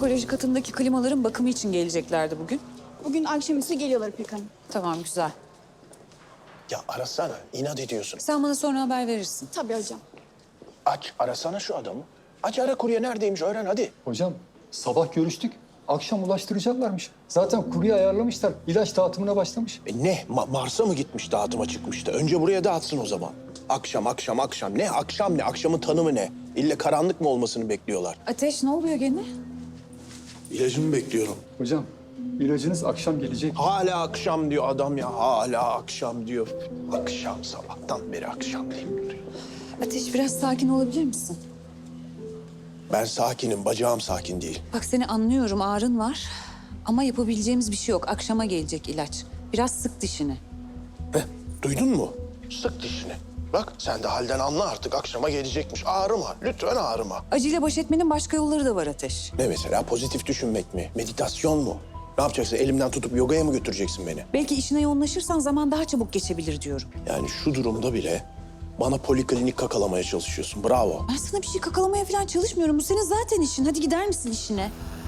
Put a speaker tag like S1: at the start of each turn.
S1: onkoloji katındaki klimaların bakımı için geleceklerdi bugün.
S2: Bugün akşamüstü geliyorlar İpek Hanım.
S1: Tamam, güzel.
S3: Ya arasana, inat ediyorsun.
S1: Sen bana sonra haber verirsin.
S2: Tabii hocam.
S3: Aç, arasana şu adamı. Aç ara kurye neredeymiş öğren hadi.
S4: Hocam sabah görüştük. Akşam ulaştıracaklarmış. Zaten kurye ayarlamışlar. İlaç dağıtımına başlamış.
S3: Ne? Mars'a mı gitmiş dağıtıma çıkmıştı? Önce buraya dağıtsın o zaman. Akşam. Ne? Akşam ne? Akşamın tanımı ne? İlle karanlık mı olmasını bekliyorlar?
S1: Ateş, ne oluyor gene?
S3: İlacımı bekliyorum.
S4: Hocam ilacınız akşam gelecek.
S3: Hala akşam diyor adam ya. Hala akşam diyor. Akşam, sabahtan beri akşam deyip duruyor.
S1: Ateş, biraz sakin olabilir misin?
S3: Ben sakinim, bacağım sakin değil.
S1: Bak, seni anlıyorum, ağrın var. Ama yapabileceğimiz bir şey yok. Akşama gelecek ilaç. Biraz sık dişini.
S3: Heh, duydun mu? Sık dişini. Bak sen de halden anla artık. Akşama gelecekmiş. Ağrıma, lütfen ağrıma.
S1: Acıyla baş etmenin başka yolları da var Ateş.
S3: Ne mesela? Pozitif düşünmek mi? Meditasyon mu? Ne yapacaksın? Elimden tutup yogaya mı götüreceksin beni?
S1: Belki işine yoğunlaşırsan zaman daha çabuk geçebilir diyorum.
S3: Yani şu durumda bile bana poliklinik kakalamaya çalışıyorsun. Bravo.
S1: Ben sana bir şey kakalamaya falan çalışmıyorum. Bu senin zaten işin. Hadi gider misin işine?